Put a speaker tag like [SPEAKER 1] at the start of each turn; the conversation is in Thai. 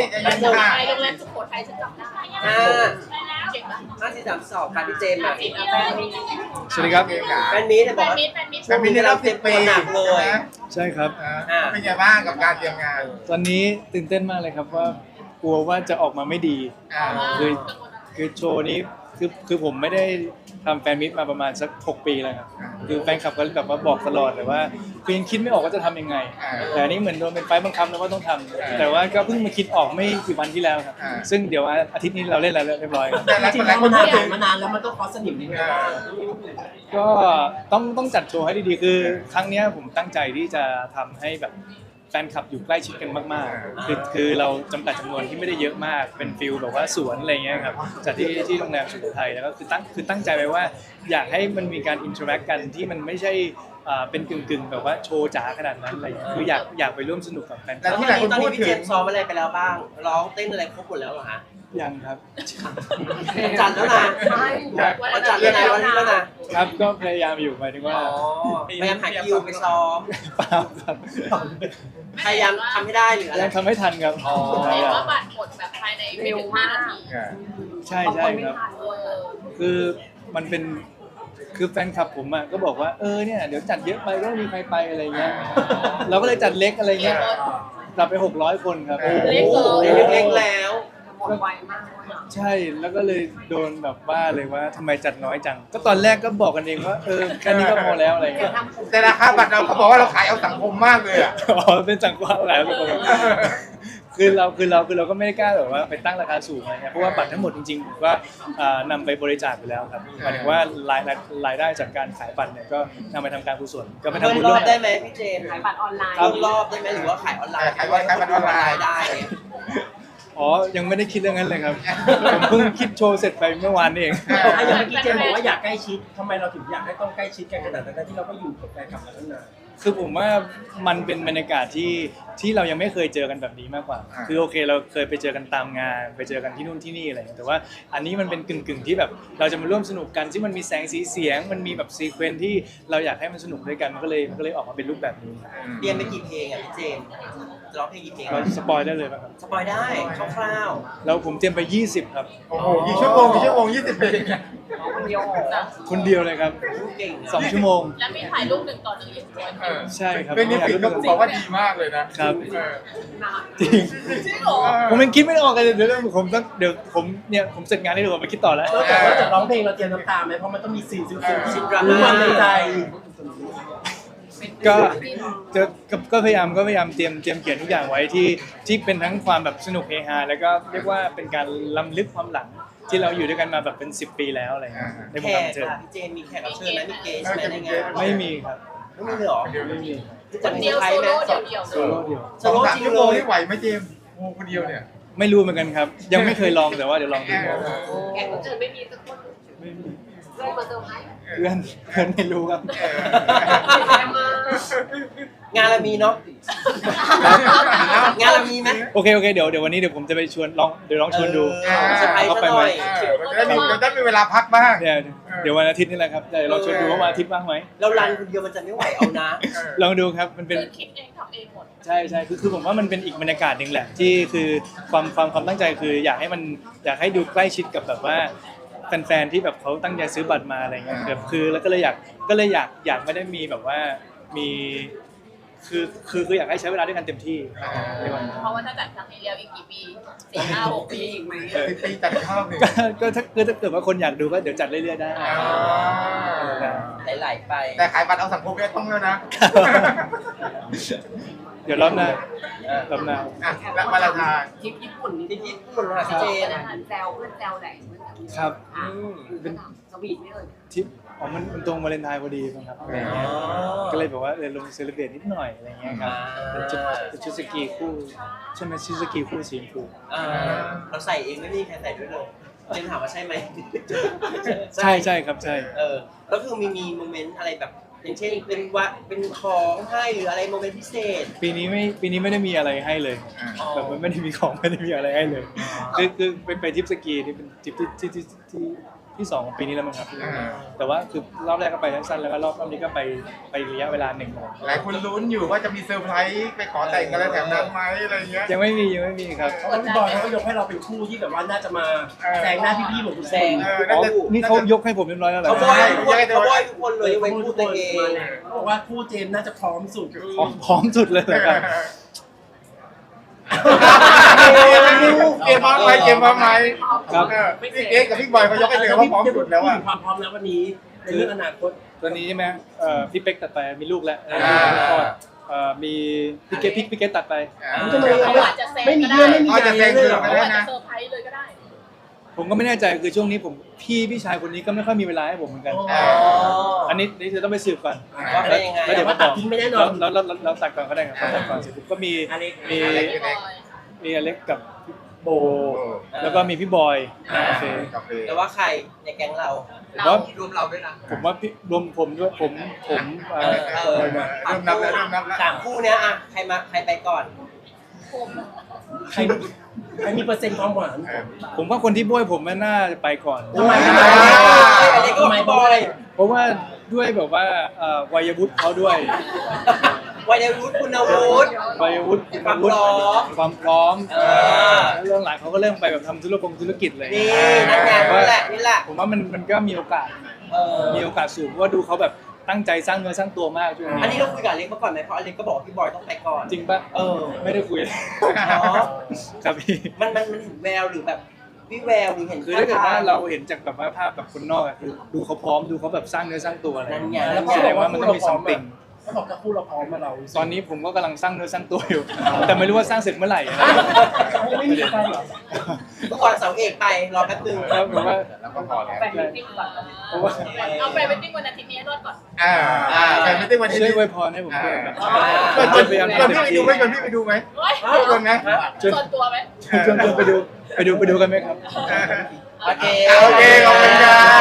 [SPEAKER 1] ใจเย็นค่ะ
[SPEAKER 2] โรงแรมสุโขทัยฉันจำได้ เก่งปะ
[SPEAKER 3] 5 4 3 2ค่ะพี่เจมส์
[SPEAKER 2] จริงเอาแฟนมี
[SPEAKER 4] สวัสดีครับ
[SPEAKER 1] เกมขา
[SPEAKER 3] แฟนมีตบอกว่า
[SPEAKER 1] แฟนมิตรในรอบ10 ปี
[SPEAKER 3] หนักเลย
[SPEAKER 4] ใช่ครับ
[SPEAKER 1] เป็นไงบ้างกับการเตรียมงาน
[SPEAKER 4] ตอนนี้ตื่นเต้นมากเลยครับว่ากลัวว่าจะออกมาไม่ดี คือคือโชว์นี้คือผมไม่ได้ทำแฟนมิตมาประมาณสัก6 ปีแล้วครับคือแฟนคลับก็แบบว่าบอกตลอดแต่ว่าคือยังคิดไม่ออกว่าจะทำยังไง แต่อันนี้เหมือนโดนเป็นไฟบังคับแล้วว่าต้องทำแต่ว่าก็เพิ่งมาคิดออกไม่กี่วันที่แล้วครับซึ่งเดี๋ยวอาทิตย์นี้เราเล่นแล้วเรียบร้อยครับ
[SPEAKER 1] แต่หลาย
[SPEAKER 5] จริ
[SPEAKER 1] ค
[SPEAKER 5] ง
[SPEAKER 1] น
[SPEAKER 5] ๆ
[SPEAKER 1] หลายค
[SPEAKER 5] มัน น
[SPEAKER 1] พู
[SPEAKER 5] ผ่า
[SPEAKER 1] ดถึง
[SPEAKER 5] นมานานแล้วมันต้องคอสนิมนิดนึงบ้าง
[SPEAKER 4] ก็ต้องจัดโชว์ให้ดีๆคือครั้งเนี้ยผมตั้งใจที่จะทำให้แบบแฟนคลับอยู่ใกล้ชิดกันมากๆคือเราจำกัดจำนวนที่ไม่ได้เยอะมากเป็นฟิลแบบว่าสวนอะไรเงี้ยครับจัดที่โรงแรมสุโขทัยแล้วก็คือตั้งใจไว้ว่าอยากให้มันมีการอินเทอร์แอคกันที่มันไม่ใช่เป็นกึ่งแบบว่าโชว์จ๋าขนาดนั้นอะไรเงี้ยคืออยากไปร่วมสนุกกับแฟนค
[SPEAKER 1] แต่
[SPEAKER 4] ลับ
[SPEAKER 1] ที่หลายคน
[SPEAKER 3] ตอน
[SPEAKER 1] พู
[SPEAKER 3] นี้
[SPEAKER 1] ด
[SPEAKER 3] พี่
[SPEAKER 1] ถึ
[SPEAKER 3] เจ
[SPEAKER 1] ง
[SPEAKER 3] มส์ซ้อมอะไรไปแล้วบ้าง ร้องเต้นอะไรครบหมดแล้วเหรอฮะ
[SPEAKER 4] ยังครับ
[SPEAKER 3] จัดแล้วนะจัดแล้วนะวันนี้แล้วนะ
[SPEAKER 4] ครับก็พยายามอยู่หมายถึงว่า
[SPEAKER 3] พยายามหาคิวไปซ้อม
[SPEAKER 4] เปล่าครับ
[SPEAKER 3] พยายามทำให้ได้หรืออะไร
[SPEAKER 4] ยังทำให้ทันครับ
[SPEAKER 2] เห็นว่าบัตรหมดแบบภายในไม่ถึง5 นาที
[SPEAKER 4] ใช่ใช่ครับ คือมันเป็นคือแฟนคลับผมอ่ะก็บอกว่าเนี่ยเดี๋ยวจัดเยอะไปก็ไม่มีใครไปอะไรเงี้ยเราก็เลยจัดเล็กอะไรเงี้ยจัดไป600 คนครับ
[SPEAKER 2] เล็กเหรอ
[SPEAKER 3] เล็กๆแล้ว
[SPEAKER 4] ใช่แล้วก็เลยโดนแบบว่าเลยว่าทำไมจัดน้อยจัง ก็ตอนแรกก็บอกกันเองว่าแค่นี้ก็พอแล้วอะไรเงี้ย
[SPEAKER 1] แต่ราคาบัตรเราเขาบอกว่าเราขายเอาสังคมมากเลยอ่ะ
[SPEAKER 4] อ๋อเป็นสังกัดหลายคนคือเราก็ไม่ได้กล้าแบบว่าไปตั้งราคาสูงอะไรเงี้ยเพราะว่าบัตรทั้งหมดจริงๆผมก็นำไปบริจาคไปแล้วครับหมายถึงว่ารายได้จากการขายบัตรเนี่ยก็นำไปทำการกุศลก็ไป
[SPEAKER 3] เพิ่
[SPEAKER 4] ทำ
[SPEAKER 3] ม
[SPEAKER 4] บุญ
[SPEAKER 3] ร
[SPEAKER 4] ร่
[SPEAKER 3] อ
[SPEAKER 4] ว
[SPEAKER 3] บ
[SPEAKER 4] ม
[SPEAKER 3] ได้ไหมพี่เจมส์
[SPEAKER 2] ขายบัตรออนไลน์
[SPEAKER 3] เพิ่มรอบได้ไหมหรือว่าขายออนไลน์
[SPEAKER 1] ขายบัตรออนไลน์
[SPEAKER 3] ได้
[SPEAKER 4] อ๋อยังไม่ได้คิดเรื่องนั้นเลยครับผมเพิ่งคิดโชว์เสร็จไปเมื่อวานนี่เอง
[SPEAKER 5] อย่างเมื่อกี้เจมส์บอกว่าอยากใกล้ชิดทำไมเราถึงอยากให้ต้องใกล้ชิดกันขนาดนั้นที่เราก็อยู่กับแฟนคลับมาตั้งนาน
[SPEAKER 4] คือผมว่ามันเป็นบรรยากาศที่เรายังไม่เคยเจอกันแบบนี้มากกว่า คือโอเคเราเคยไปเจอกันตามงานไปเจอกันที่นู่นที่นี่อะไรอย่างเงี้ยแต่ว่าอันนี้มันเป็นกึ่งที่แบบเราจะมาร่วมสนุกกันที่มันมีแสงสีเสียงมันมีแบบซีเควนซ์ที่เราอยากให้มันสนุกด้วยกันมันก็เลยออกมาเป็นรูปแบบนี้
[SPEAKER 3] เรียนไปกี่เพลงอ่ะพี่เจมส์จะร้องเพลงกี่เพลง
[SPEAKER 4] เราสปอยได้เลยป่ะครับ
[SPEAKER 3] สปอยได้คร่าว
[SPEAKER 4] แล้วผมเตรียมไป20ครับ
[SPEAKER 1] โอ้โหกี่ชั่วโมง20 ปี
[SPEAKER 3] ๆคนเดียว
[SPEAKER 4] คนเดียวเลยครับ
[SPEAKER 3] เก่ง
[SPEAKER 4] 2 ชั่วโมง
[SPEAKER 2] แล้วมีถ่ายรูป1 ต่อ 1อย่างเดียว
[SPEAKER 4] ใช่ครับ
[SPEAKER 1] เป็นนิฟิกก็บอกว่าดีมากเลยนะครับ
[SPEAKER 4] จริง
[SPEAKER 2] จริงเหรอ
[SPEAKER 4] ผมยังคิดไม่ออกเลยเดี๋ยวผมเสร็จงานได้เดี๋ยวผมไปคิดต่อแล้ว
[SPEAKER 5] แล้วจากร้องเพลงเราเตรียมน้ำตาไหมเพราะมันต้องมีซีนซึ้งๆที่รู้มันในใจ
[SPEAKER 4] ก็พยายามเตรียมเขียนทุกอย่างไว้ที่เป็นทั้งความแบบสนุกเฮฮาแล้วก็เรียกว่าเป็นการล้ำลึกความหลังที่เราอยู่ด้วยกันมาแบบเป็น10 ปีแล้วอะไรเงี้ยในว
[SPEAKER 3] แข
[SPEAKER 4] งการ
[SPEAKER 3] ก
[SPEAKER 4] บันเทิง
[SPEAKER 3] ค่ะพี่เจมส์มีแขกรับเชิญไหมมีเกสไหมในงาน
[SPEAKER 4] ไม่มีครับ
[SPEAKER 3] ไม่มีเลยเหรอ
[SPEAKER 4] ไม่มี
[SPEAKER 2] คนเดียวโซโล่เดี่ยว
[SPEAKER 4] โซโล่เดียว
[SPEAKER 3] โซโล่จริง
[SPEAKER 1] ชั่ว
[SPEAKER 3] เล
[SPEAKER 1] โมง
[SPEAKER 3] ย
[SPEAKER 1] นี่ไหวไหมเจมส์โอ้คนเดียวเนี่ย
[SPEAKER 4] ไม่รู้เหมือนกันครับ ยังไม่เคยลองแต่ว่าเดี๋ยวลองดู
[SPEAKER 2] แขกรับเชิญไม่มีสักคน
[SPEAKER 4] ไม่มี
[SPEAKER 2] เพื่อนมาเซอร์ไพรส์
[SPEAKER 4] เพื่อนไม่รู้ครับ
[SPEAKER 3] งานเรามีเนาะงานเรามีไหม
[SPEAKER 4] โอเคเดี๋ยววันนี้เดี๋ยวผมจะไปชวนลองชวนดู
[SPEAKER 3] เซอร์ไพรส์
[SPEAKER 4] เขา
[SPEAKER 3] ซะ
[SPEAKER 4] ไป
[SPEAKER 3] ห
[SPEAKER 4] ไหม
[SPEAKER 3] น่อย
[SPEAKER 1] มันจะได้มีเวลาพักบ้าง
[SPEAKER 4] เดี๋ยววันอาทิตย์นี่แหละครับเดี๋ยวลองชวนดูว่าวันอาทิตย์ว่างไหม
[SPEAKER 3] เรารันคนเดียวมันจะไม่ไหวเอานะ
[SPEAKER 4] ลองดูครับมันเป็น
[SPEAKER 2] คือคิดเองทำเองหมด
[SPEAKER 4] ใช่คือผมว่ามันเป็นอีกบรรยากาศหนึ่งแหละที่คือความตั้งใจคืออยากให้ดูใกล้ชิดกับแบบว่าแฟนๆที่แบบเขาตั้งใจซื้อบัตรมาอะไรเงี้ยแบบคือแล้วก็เลยอยากไม่ได้มีแบบว่ามีคืออยากให้ใช้เวลาด้วยกันเต็มที่ในวันนั้น
[SPEAKER 2] เพราะว่าถ้าจัดครั้งนี้แล้วอีกกี่ปี4 5 6 ปีอีกไหม
[SPEAKER 1] 10 ปีจัดอีกรอบหนึ่ง
[SPEAKER 4] ก็ถ้าเกิดว่าคนอยากดูก็เดี๋ยวจัดเรื่อยๆได้
[SPEAKER 3] ไหลๆไป
[SPEAKER 1] แต่ขายบัตรเอาสังคมเนี่ยต้องแล้วนะ
[SPEAKER 4] เดี๋ยวรอบหน้า
[SPEAKER 1] อ่ะแล้วมาลาทาน
[SPEAKER 2] ทริปญี่ปุ่นนี่
[SPEAKER 3] ที่ญี่ปุ่นค่ะพี่เจมส์
[SPEAKER 2] แซวเพื่อนแซวไหน
[SPEAKER 4] ครับ
[SPEAKER 2] เป็นสวีทไม่เลย
[SPEAKER 4] ทริปมันตรงวาเลนไทน์พอดีครับก็เลยแบบว่าลงเซเลบรตนิดหน่อยอะไรเงี้ยครับเป็นชุดสกีคู่ใช่ไหมชุดสกีคู่สีชมพู
[SPEAKER 3] เราใส่เองไม่มีใครใส่ด้วยเลยเจมส์ถามว่าใช่ไหม
[SPEAKER 4] ใช่ครับใช่
[SPEAKER 3] ก็คือมีโมเมนต์อะไรแบบอย่างเช่นเป็นของให้หรืออะไรโมเมนต์พิเศษ
[SPEAKER 4] ปีนี้ไม่ได้มีอะไรให้เลยแบบมันไม่ได้มีของไม่ได้มีอะไรให้เลยคือไปทริปสกีนี่เป็นทริปที่ที่2ของปีนี้แล้วมั้งครับแต่ว่าคือรอบแรกก็ไปสั้นๆแล้วก็รอบนี้ก็ไประยะเวลาหนึ่ง
[SPEAKER 1] หลายคนลุ้นอยู่ว่าจะมีเซอร์ไพรส์ไปขอแต่งกันแล้วแถมนั้นไหมอะไรเงี้ย
[SPEAKER 4] ยังไม่มีครับ
[SPEAKER 5] เพราะว่าพี่บอยเขาก็ยกให้เราเป็นคู่ที่แบบว่าน่าจะมาแซงหน้าพี่ๆเหมือนคุณแซง
[SPEAKER 4] อ๋อนี่เขายกให้ผมเรียบร้อยแล้วเหรอ
[SPEAKER 3] เขาบอยทุกคนเลยไว้พูดตัวเอง
[SPEAKER 5] เขาบอกว่าคู่เจมส์น่าจะพร้อมสุด
[SPEAKER 4] พร้อมสุดเลยเหรอครับ
[SPEAKER 1] เกมพร้อมไหมเกมพร้อมไหม
[SPEAKER 4] ครับ
[SPEAKER 1] พี่เก๊กับพี่บอยเขายกให้เลยว่าพร้อมสุดแล้ว
[SPEAKER 5] พู
[SPEAKER 1] อ่ะ
[SPEAKER 5] ถึงความพร้อมแล้ววันนี้ในเรื่องอนาคต
[SPEAKER 4] ตอนนี้ใช่ไหมพี่เป๊กตัดไปมีลูกแล้วมีพี่เกตตัดไป
[SPEAKER 5] ทำไม
[SPEAKER 2] เขาอาจจะแซง
[SPEAKER 5] ไม่มี
[SPEAKER 2] ก็
[SPEAKER 5] เรื่อง
[SPEAKER 2] ได้
[SPEAKER 5] ไม่มีอะไรเลยเหรอ
[SPEAKER 2] เขาอาจจะเซอร์ไพรส์เลยก็ได้
[SPEAKER 4] ผมก็ไม่แน่ใจคือช่วงนี้ผมพี่ชายคนนี้ก็ไม่ค่อยมีเวลาให้ผมเหมือนกัน อันนี้จะต้องไปสืบก่อน
[SPEAKER 3] ว่าเป็นยังไง
[SPEAKER 4] แล้วเดี๋ยว
[SPEAKER 5] ว่าตัดทิ้งไม่แน่นอน
[SPEAKER 4] เราตัดก่อนก็ได้ครับตัดก่อนเสร็จปุ๊บก็มีอเล็กกับโบ แล้วก็มีพี่บอยโอเค
[SPEAKER 3] แต่ว่าใครในแก๊งเรา
[SPEAKER 4] ผมว่า
[SPEAKER 1] รวมเราด้วยนะ
[SPEAKER 4] ผมว่าพี่รวมผมด้วยผม
[SPEAKER 1] เริ่มนับแล้ว
[SPEAKER 3] สามคู่เนี้ยอะใครไปก่อน
[SPEAKER 5] ใครมีเปอร์เซ็นต์ความหวาน
[SPEAKER 4] ผมว่าคนที่บ้วยผมน่าจะไปก่อน
[SPEAKER 5] ทำไม
[SPEAKER 3] อะไรก็ไม่บอย
[SPEAKER 4] เพราะว่าด้วยแบบว่าวัยวุฒิเขาด้วย
[SPEAKER 3] วัยวุฒิคุณวุฒิ
[SPEAKER 4] วัยวุฒิ
[SPEAKER 3] ความพร้อม
[SPEAKER 4] ความพร้อม
[SPEAKER 3] อ
[SPEAKER 4] แล้วเรื่องหลังเขาก็เริ่มไปแบบทำธุรกิจเลย
[SPEAKER 3] นี่นั่นไงนี่แหละ
[SPEAKER 4] ผมว่ามันก็มีโอกาส
[SPEAKER 3] เออ
[SPEAKER 4] มีโอกาสสูงเพราะว่าดูเขาแบบตั้งใจสร้างเนื้อสร้างตัวมากช่วง
[SPEAKER 3] อัน
[SPEAKER 4] นี้
[SPEAKER 3] นี้เราคุยกับอเล็กมาก่อนไหมเพราะอเล็กก็บอกว่าพี่บอยต้องไปก่อน
[SPEAKER 4] จริงปะ
[SPEAKER 3] เออ
[SPEAKER 4] ไม่ได้คุย
[SPEAKER 3] อ๋อ
[SPEAKER 4] ครับพี่
[SPEAKER 3] มันเห็นแววหรือแบบวิแววหรือเห็น
[SPEAKER 4] คือถ้าเกิดว่าเราเห็นจากแบบว่าภาพแบบคนนอกอะคือดูเขาพร้อมดูเขาแบบสร้างเนื้อสร้างตัวอะไร
[SPEAKER 3] นั่นไง
[SPEAKER 5] แล้
[SPEAKER 3] แล้ว ว
[SPEAKER 5] เขา
[SPEAKER 3] ก็
[SPEAKER 5] บอกว่า
[SPEAKER 4] มันต้องมี something
[SPEAKER 5] เขาบอกถ้าคู่เราพร้อมมาเรา
[SPEAKER 4] ตอนนี้ผมก็กำลังสร้างเนื้อสร้างตัวอยู่ แต่ไม่รู้ว่าสร้างเสร็จเมื่อไหร่นะ
[SPEAKER 5] ไม่มีใครหรอ
[SPEAKER 3] ทุกคนเสาเอกไปรอแป๊บนึง
[SPEAKER 4] แล้วผมว่า
[SPEAKER 1] แล้วก็พอแล้ว
[SPEAKER 2] ไปมิติ้งก่อน
[SPEAKER 4] เพราะว่า
[SPEAKER 2] เอาไปมิติ้งวันอาทิตย์นี้ให้รอดก่อน
[SPEAKER 1] แต่ไม่ได้วันนี้
[SPEAKER 4] ช่วยอวยพรให้ผมด้วยแบบ
[SPEAKER 1] ชวนพี่ไปดูไหม
[SPEAKER 2] เฮ้ย
[SPEAKER 1] ชวนไหม
[SPEAKER 2] ส่วนตัวไหม
[SPEAKER 4] ชวนไปดูกันไหมครับ
[SPEAKER 3] โอเค
[SPEAKER 1] โอเคขอบคุณครับ